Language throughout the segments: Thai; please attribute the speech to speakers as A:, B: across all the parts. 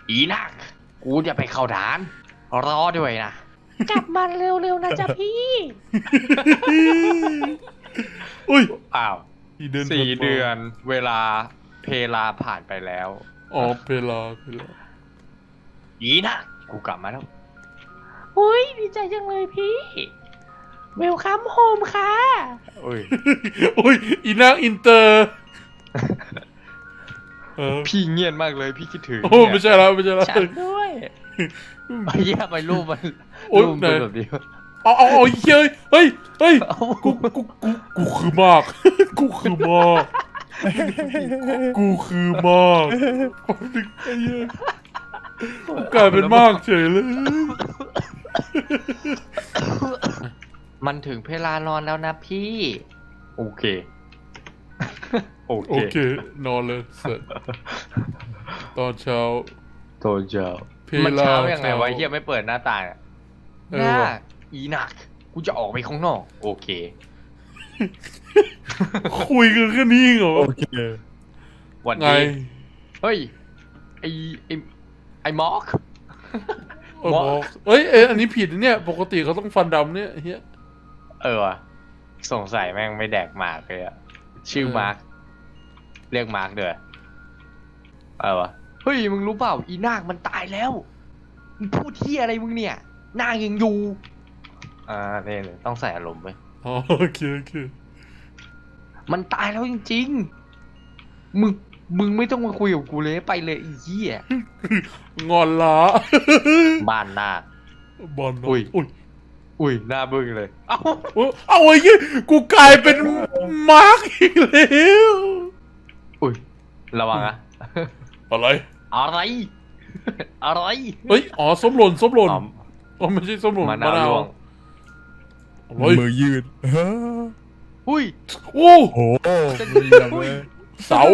A: อีนักกูจะไปเข้าฐานรอด้วยนะ
B: กลับมาเร็วๆนะจ๊ะพี่
C: อุ้ย
A: อ้าว
C: 4 เดือน
A: 4 เดือนเวลาเพลาผ่านไปแล้ว
C: อ๋อเพลา
A: อีนักกูกลับมาแล้ว
B: อุ้ยดีใจจังเลยพี่เวลคัมโฮมค่ะ
A: อุ้ย
C: อุ้ยอีนางอินเตอร์
A: พี่เงียบมากเลยพี่คิดถึง
C: โอ้ไม่ใช่แล้วไม่ใช่แล้ว
B: ฉันด้วย
A: ไอ้เหี้ยไปรูปมัน
C: โอ๊ย
A: รูปเป็นแบบนี้
C: เอาเฮ้ยกูคือมาก กูคือมาก กูคือมากไอ้เหี้ยกูกลายเป็นมากเฉยเลย
A: มันถึงเพลานอนแล้วนะพี่ โอเค โอ
C: โอ
A: เค
C: เคนอนเลยเสร็จตอนเช้า
A: โตเจ้า
C: เพลา
A: มันเช้ายังไงวะ
C: เช้า
A: เฮียไม่เปิดหน้าต่างอะ
C: เอ
A: ห
C: อ
A: น้า
C: ว่ะ
A: อีหนักกูจะออกไปข้างนอก โอเค
C: คุยกันแค่นี้เหรอ
D: โอเค
A: วัน
C: ไง
A: นี้เฮ้ยไอไอมอก
C: บอกอันนี้ผิดนะเนี่ยปกติเขาต้องฟันดำเนี่ยเฮีย
A: ว่ะสงสัยแม่งไม่แดกมาร์กเลยอะชื่อมาร์กเรียกมาร์กเด้อวะเฮ้ยมึงรู้เปล่าอีนาคมันตายแล้วมึงพูดที่อะไรมึงเนี่ยนาคยังอยู่เนี่ยต้องใส่อารมณ์ไป
C: อ๋อโอเค
A: มันตายแล้วจริงๆมึงไม่ต้องมาคุยกับกูเลยไปเลยไอ้เหี้ย
C: งอนละ
A: บ้านนาค
C: บอล
A: อุ้ย
C: อุ้ย
A: หน้าบึ้งเลยเอ้า
C: เอาไอ้ยี่กูกลายเป็นมาร์กอีกแล้ว
A: อุ้ยระวังอะ
C: อะไร
A: อะไร อะไร
C: เฮ้ยอ๋อส้มหล่น
A: อ๋อ
C: อ๋อไม่ใช่ส้มหล่น
A: มะนาวร่วง
C: เฮ้ย
D: มือยืด
A: อุ้ย
C: โอ้
D: โอ้โหมือแบบเลย
C: เสา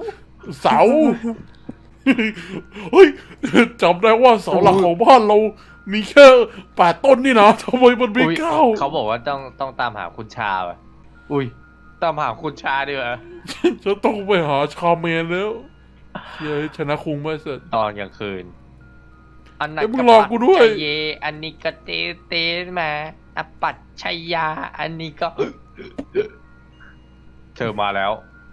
C: เฮ้ยจำได้ว่าเสาหลักของบ้านเรามีแค่8 ต้นนี่นะทำไมมันมี
A: อุ๊ย
C: 9
A: เขาบอกว่าต้องตามหาคุณชาอ่ะอุ้ยตามหาคุณชาดีกว่า
C: จะต้องไปหาชาเมนแล้วเย้ยชนะคุงไม่เสร็จ
A: ตอนกลางคืนอันนั้น
C: เอ้ยมึงรอกูด้วย
A: เยอันนี้ก็เตมาอปัตชัยยา อันนี้ก็ เธอมาแล้ว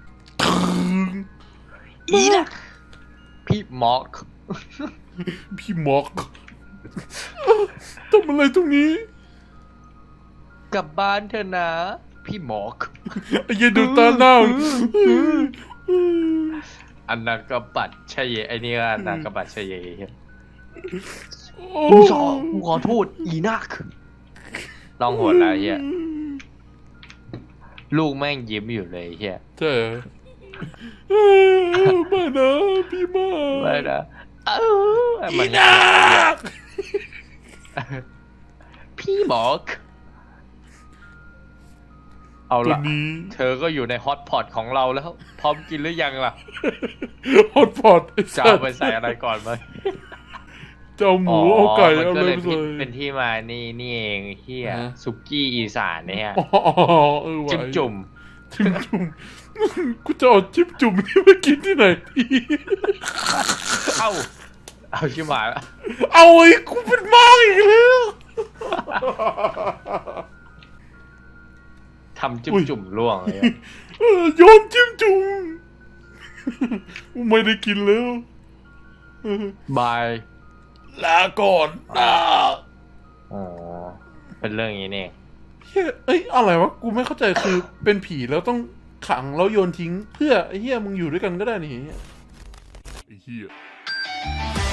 A: อีนะพี่มอก
C: พี่มอกทำอะไรตรงนี้
A: กลับบ้านเธอนะ พี่มอก
C: ไอ้เหี้ยดูตาหน้า
A: อันนั้นก็ปัดชัยเยไอ้นี่ก็อันนั้นก็ปัดชัยเย
C: โอ้
A: กูขอโทษอีนักลองโหดแล้วเฮียลูกแม่งยิ้มอยู่เลยเฮีย
C: ใช่เหรอไม่นะพี่มาก
A: ไม่นะมัน
C: นัก
A: พี่บอก เอา
C: ตัว
A: ละ
C: นี้
A: เธอก็อยู่ในฮอตพอตของเราแล้ว พร้อมกินหรือยังล่ะ
C: ฮอตพอตไอ้
A: จะ
C: สั
A: เอา
C: ตว์
A: ไปใส่อะไรก่อนไหม
C: จะเอาหมูเอาไก่
A: มัน
C: เอา
A: ก็
C: เล
A: เลย ย
C: ไปเลย
A: เป็นที่มานี่เองเฮีย
C: ฮะ
A: สุกี้อีสานเนี่ย
C: อ๋อว่ะ
A: จิ้มจุ่ม
C: จิ้มจุ่มกูจะเอาจิ้มจุ่มนี่มากินที่ไหนดี
A: เอาชิบหายละ
C: เอาไอ้กูเป็นมากอีกแล้ว
A: ทำจิ้มจุ่มล่วงเลยอะ
C: โยนจิ้มจุ่มไม่ได้กินแล้ว
A: บาย
C: ลาก่อนนะ
A: อ๋อเป็นเรื่องอย่างนี้นี่
C: เฮ้ยเอ้ยอะไรวะกูไม่เข้าใจคือเป็นผีแล้วต้องขังแล้วโยนทิ้ง เพื่อไอ้เหี้ยมึงอยู่ด้วยกันก็ได้นี่ไอ้เหี้ย